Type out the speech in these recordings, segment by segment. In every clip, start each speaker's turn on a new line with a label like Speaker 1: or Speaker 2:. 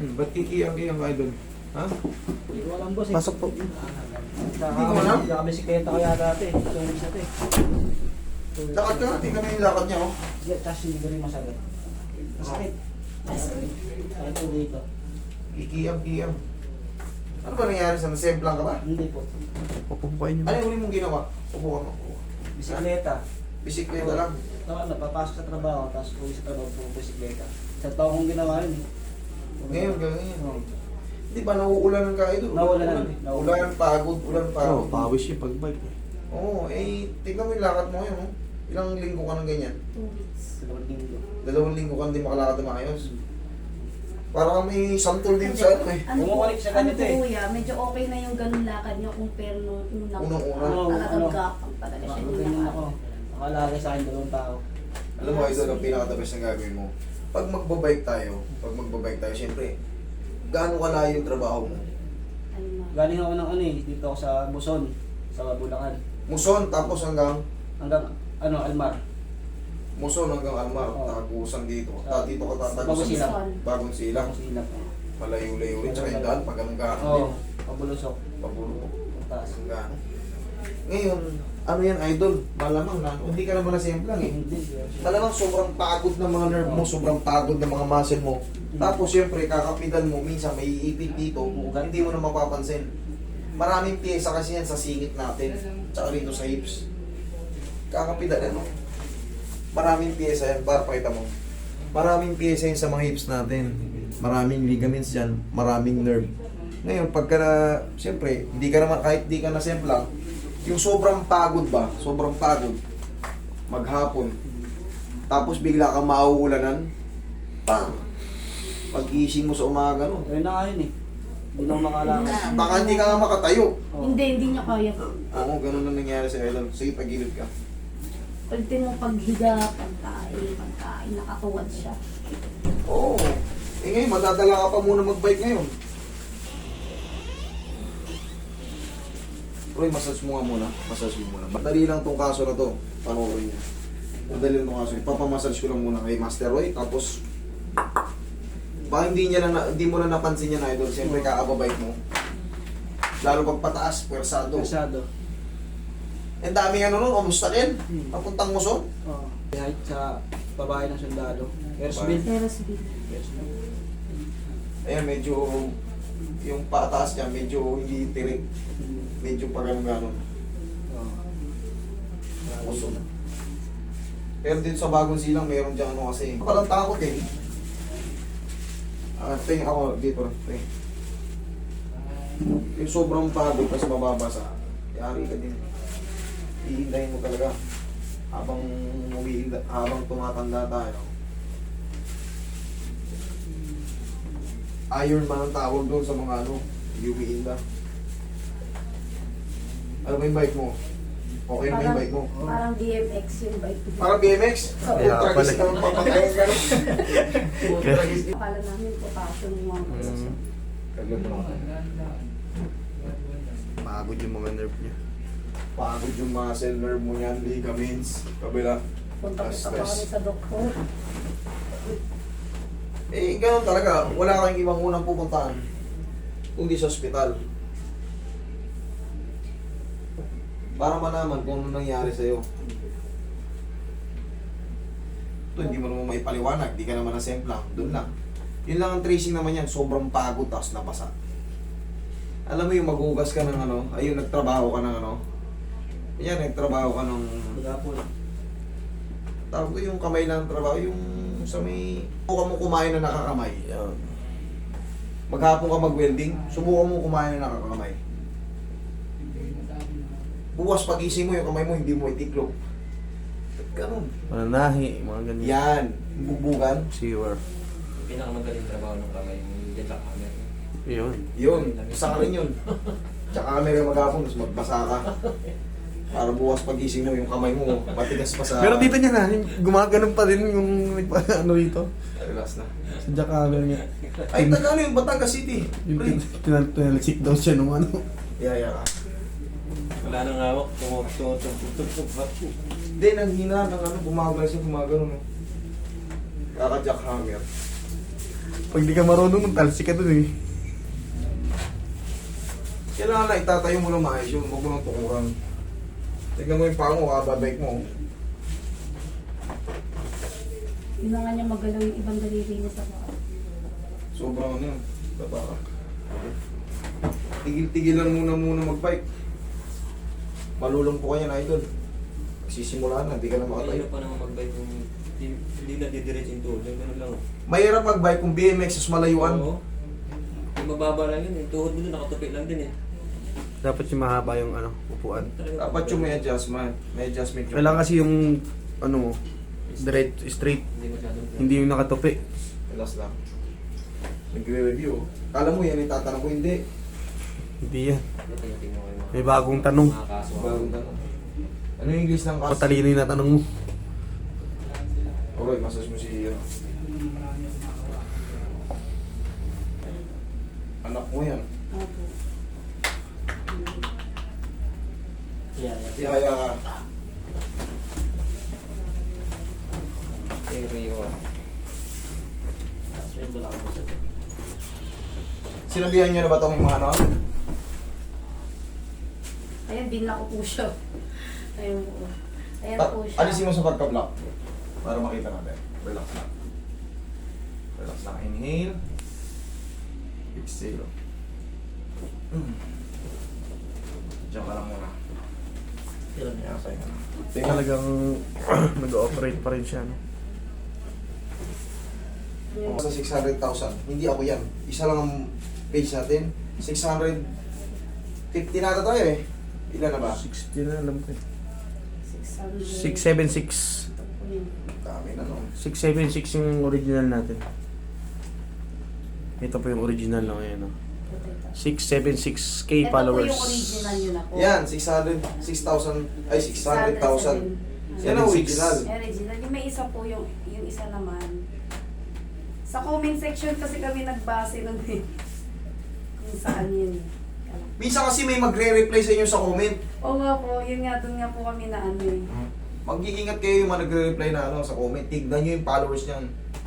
Speaker 1: Ba't kikiyang-kiyang ka idol? Ha?
Speaker 2: Hindi ko alam boss eh.
Speaker 3: Pasok po.
Speaker 1: Hindi ko alam?
Speaker 2: Nakabisikleta ko yata ito eh. Tulis na ito eh.
Speaker 1: Lakad ka natin kami yung lakad niya oh.
Speaker 2: Yeah, tapos hindi ko rin masakit. Masakit. Sakit po dito.
Speaker 1: Kikiyang-kiyang. Ano ba nangyari sa nasemplang ka ba?
Speaker 2: Hindi po.
Speaker 3: Pupukain niyo.
Speaker 1: Ano yung huli mong ginawa? Upo ka mo.
Speaker 2: Bisikleta.
Speaker 1: Bisikleta lang.
Speaker 2: Napapasok sa trabaho, tapos uwi sa trabaho po bisikleta. Sa taong kong ginawa yun eh.
Speaker 1: Ngayon, ganyan. Hindi ba nauulanan ka idol?
Speaker 2: Nauulanan.
Speaker 1: Ulan, pagod, ulan, pagod.
Speaker 3: Oo, pawis yung pagbike.
Speaker 1: Oo, tignan mo yung lakad mo ngayon, oh. Ilang linggo ka ng ganyan?
Speaker 4: 2 weeks.
Speaker 2: Sa 2 linggo.
Speaker 1: 2 linggo ka hindi makalakad na maayos. Parang may santol din sa ano eh.
Speaker 4: Ano po,
Speaker 2: Bumabalik siya
Speaker 4: ano
Speaker 2: ganito
Speaker 4: po
Speaker 2: eh.
Speaker 4: kuya, medyo okay na yung ganun lakad niya compare nung unang
Speaker 1: Unang-una.
Speaker 4: talagang gapang talaga siya yung
Speaker 2: Ganyan
Speaker 4: lakad.
Speaker 2: ako. Nakalagay sa akin 2 tao.
Speaker 1: Alam mo, idol, ang pinaka-the-best na gagawin mo. Pag magbabike tayo, syempre, gaano kalayo yung trabaho mo?
Speaker 4: Ano na.
Speaker 2: Galing ako ng ano eh, dito ako sa Buson, sa Bulacan.
Speaker 1: Muson, tapos hanggang
Speaker 2: Hanggang Almar.
Speaker 1: Muson hanggang Almar,
Speaker 2: Oo.
Speaker 1: Tagusan dito. Dito ka
Speaker 2: Bagong
Speaker 1: tatagusan.
Speaker 2: Silang.
Speaker 1: Bagong silang.
Speaker 2: Ako silap.
Speaker 1: Malayo-layo rin. Tsaka yung daan, pag anong gaano
Speaker 2: Oo,
Speaker 1: din.
Speaker 2: pabulusok.
Speaker 1: Pabulo.
Speaker 2: Ang taas.
Speaker 1: Ang gaano. Ngayon, ano yan, idol? Malamang na, hindi ka naman nasemplang eh.
Speaker 2: Hindi.
Speaker 1: Malamang sobrang pagod ng mga nerve mo, sobrang pagod ng mga muscle mo. Tapos syempre, kakapitan mo, minsan may iipit dito, hindi mo na mapapansin. Maraming pyesa kasi yan sa singit natin, tsaka rito sa hips. Kakapitan ano? Maraming pyesa yan, para pakita mo. Maraming pyesa yan sa mga hips natin. Maraming ligaments dyan, maraming nerve. Ngayon, pagka na, syempre, hindi ka naman, kahit di ka nasemplang, yung sobrang pagod ba, sobrang pagod, maghapon, tapos bigla kang mauulanan, pang, pag-gising mo sa umaga, no?
Speaker 2: Ayun na nga yun eh. Hindi na ako makalakad.
Speaker 1: Baka hindi ka nga makatayo.
Speaker 2: Oo.
Speaker 4: Hindi niya kaya.
Speaker 1: Oo, ganun na nangyari sa Ellen. Sige, pagilid ka.
Speaker 4: Pagdating mo paghiga, pagkain, nakatuwad siya.
Speaker 1: Oo. Eh ngayon, madadala ka pa muna mag-bike ngayon. Roy, massage mo nga muna. Massage mo muna. Madali lang tong kaso na to. Panoorin niya. Madali lang tong kaso. Ipapamassage ko lang muna kay Master Roy. Tapos, baka hindi mo na napansin yan, idol. Siyempre, kaababike mo. Lalo pag pataas, pwersado.
Speaker 2: Persado.
Speaker 1: Ang daming ano nun, kamusta rin? Papuntang Muson.
Speaker 2: Oo. Kahit sa babae ng sundalo. Airsbill.
Speaker 4: Terrasville.
Speaker 1: Ayan, medyo, yung pataas niya, medyo hindi tirik. Medyo pa ganun-ganun. Muson. Pero dito sa bagong silang, meron dyan ano kasi. Parang takot eh. Tingin ako dito. Tingin. Yung sobrang pagod kasi mababasa. Yari ka din. Ihindahin mo talaga. Habang tumatanda tayo. Iron man ang tawag doon sa mga ano, umiinda. Ano ba yung bike mo? Okay na ba yung bike mo?
Speaker 4: Parang BMX yung bike.
Speaker 1: Parang BMX?
Speaker 4: Oo.
Speaker 1: Ultra gis ka ng papagayon ka. Ultra gis.
Speaker 4: Akala namin potassium yung mga
Speaker 1: Kaglan mo lang.
Speaker 3: Pagod yung mga nerve niya.
Speaker 1: Pagod yung muscle nerve mo yan, ligaments, kabila.
Speaker 4: punta-punta pa kami sa doktor.
Speaker 1: Eh, gano'n talaga. Wala kang ibang unang pupuntahan. Kundi sa ospital. Para malaman kung ano nangyari sa'yo. Ito, hindi mo naman maipaliwanag. Di ka naman nasemplang. Doon lang. Yun lang ang tracing naman yan. Sobrang pagod, tapos nabasa. Alam mo yung maghugas ka ng ano, ayun, nagtrabaho ka ng ano. Yan, nagtrabaho ka ng...
Speaker 2: Magapon.
Speaker 1: Tawag ko yung kamay lang trabaho, yung sa may... Subukan mo kumain na nakakamay. Yan. Maghapon ka mag-welding, subukan mo kumain na nakakamay. Bukas pagising mo yung kamay mo, hindi mo itiklop. Ganun.
Speaker 3: Mananahi, mga ganyan.
Speaker 1: Yan. Bubugan.
Speaker 3: Sewer.
Speaker 5: Pinakamagaling trabaho ng kamay yung jet lag hammer.
Speaker 3: Yun.
Speaker 1: Yun. Isa ka rin yun. Tsaka kami rin maghapon, tapos magbasa ka. Para bukas pagising mo, yung kamay mo, matigas pa sa...
Speaker 3: Pero dito niya na, gumaganon pa rin yung ano rito.
Speaker 1: Relax na.
Speaker 3: Sa jackhammer niya.
Speaker 1: Ay, taga ano yung Batangas City?
Speaker 3: Yung
Speaker 1: Pre.
Speaker 3: tinalisik daw siya nung ano.
Speaker 1: Yaya ka.
Speaker 5: Wala nang hawak, tumutugtog.
Speaker 1: Hindi, nanghina ng ano, gumagano siya, gumagano. No? Kaka-jackhammer.
Speaker 3: Pag di ka marunong, talsik ka dun eh.
Speaker 1: Kailangan na itatayo mo lang maayos yun. Huwag mo nang tukuran. Tignan mo yung paa mo, kababike mo.
Speaker 4: Yun na nga niya magalaw yung ibang daliri niya sa paa.
Speaker 1: Sobrang ano yun. Baba. Tigil-tigilan muna magbike. Malulong po kanya na idol. Sisimulan na, hindi ka na makatayo.
Speaker 5: Mahirap pa naman mag-bike kung hindi na didiretso yung tuhod. Yung ganun lang.
Speaker 1: Mahirap magbike kung BMX is malayuan.
Speaker 5: Oo. Yung mababa lang yun eh. Tuhod mo doon, nakatupi lang din eh.
Speaker 3: Dapat yung mahaba yung ano, upuan.
Speaker 1: Dapat yung may adjustment. May adjustment yung...
Speaker 3: Kailangan kasi yung ano mo, straight.
Speaker 5: Hindi masyadong.
Speaker 3: Hindi yung nakatupi.
Speaker 1: Relax lang. Nagre-review. Kala mo yan, itatanong ko hindi.
Speaker 3: Hindi yan.
Speaker 5: Tingnan mo yung mga-
Speaker 3: May bagong tanong.
Speaker 5: mga kaso.
Speaker 1: Bagong tanong. Ano yung English ng kaso?
Speaker 3: Patalino yung natanong mo.
Speaker 1: Okay, massage mo si anak mo yan.
Speaker 4: Opo.
Speaker 2: Yeah.
Speaker 1: Kaya
Speaker 5: Stereo.
Speaker 2: Sweldo lang ako sa
Speaker 1: sinabihan niyo na ba itong mga ano?
Speaker 4: Ayan, binla ko po siya. Ayun po. Ayan po siya.
Speaker 1: Alisin mo sa pagka-block para makita natin. Relax lang. Relax lang. Inhale. Exhale. Diyan ka lang muna.
Speaker 2: Ilan
Speaker 1: Kaya
Speaker 2: na.
Speaker 1: kaya ka na.
Speaker 3: Talagang nag-ooperate pa rin siya. No?
Speaker 4: Ayun.
Speaker 1: Sa 600,000. Hindi ako yan. Isa lang ang page natin. 650 nata tayo eh. Ilan na ba?
Speaker 3: 60 na alam ko.
Speaker 4: 600.
Speaker 3: 676.
Speaker 4: Ito po yun.
Speaker 1: Dami na no.
Speaker 3: 676 yung original natin. Ito po yung original na ngayon. No? 676k
Speaker 4: Ito
Speaker 3: followers.
Speaker 4: po yung original yun ako.
Speaker 1: Yan, 600,000 ay 600,000. Yan ang original.
Speaker 4: Original. Yung may isa po yung isa naman. Sa comment section kasi kami nagbase nun eh. Kung saan yun.
Speaker 1: Minsan kasi may magre-reply sa inyo sa comment.
Speaker 4: Oo nga po, yun nga, dun nga po kami na ano eh.
Speaker 1: Mag-iingat kayo yung mga nagre-reply na ano sa comment. Tignan nyo yung followers niyan.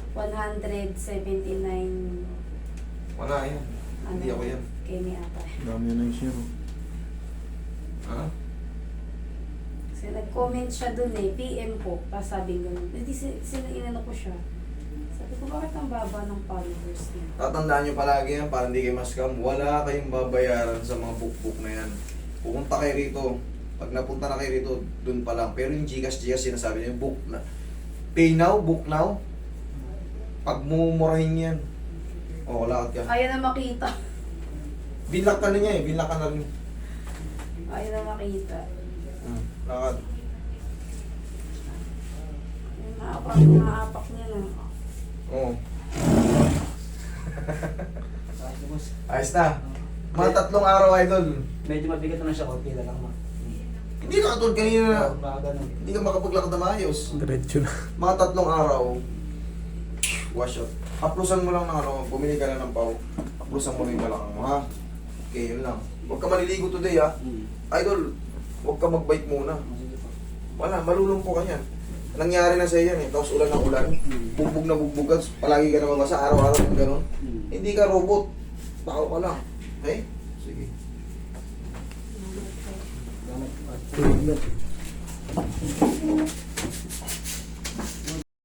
Speaker 4: 179
Speaker 1: Wala yan. Hindi ako yan.
Speaker 4: Kenny ata.
Speaker 3: Dami na yung zero.
Speaker 1: Ha?
Speaker 4: Kasi nag-comment siya dun eh, PM po, pasabing ganun. Hindi, inano ko siya. Sabi ko, bakit ang baba ng followers niya?
Speaker 1: Tatandaan nyo palagi yan para hindi kayo ma-scam. Wala kayong babayaran sa mga book na yan. Pupunta kayo rito. Pag napunta na kayo rito, dun pa lang. Pero yung Gcash sinasabi niyo, book na. Pay now, book now. Pag mumurahin yan. O, lakad ka.
Speaker 4: Ayaw na makita.
Speaker 1: Binlock ka na niya eh. Binlock ka na rin.
Speaker 4: Ayaw na makita.
Speaker 1: Lakad.
Speaker 4: Yung maapak niya na.
Speaker 1: Oo.
Speaker 2: Ayos na, boss.
Speaker 1: Ayos na. Mga 3 araw, idol.
Speaker 2: Medyo mabigat na siya, konti na lang ma.
Speaker 1: Hindi na katulad kanina.
Speaker 2: Baka ganun.
Speaker 1: Hindi ka makapaglakad na maayos.
Speaker 3: Diretso na.
Speaker 1: Mga 3 araw, wash out. Haplusan mo lang ng ano, bumili ka na ng pau. Haplusan mo rin balakang mo, ha? Okay, yun lang. Huwag ka maliligo today, ha? Idol, huwag ka mag-bike muna.
Speaker 2: Sige po.
Speaker 1: Wala, malulumpo ka niyan. Nangyari na sa iyo yan eh, tapos ulan ng ulan. Bugbog na bugbog ka, palagi ka na mabasa, araw-araw yung gano'n. Hindi ka robot. Tao ka lang. Okay? Sige.
Speaker 2: Salamat.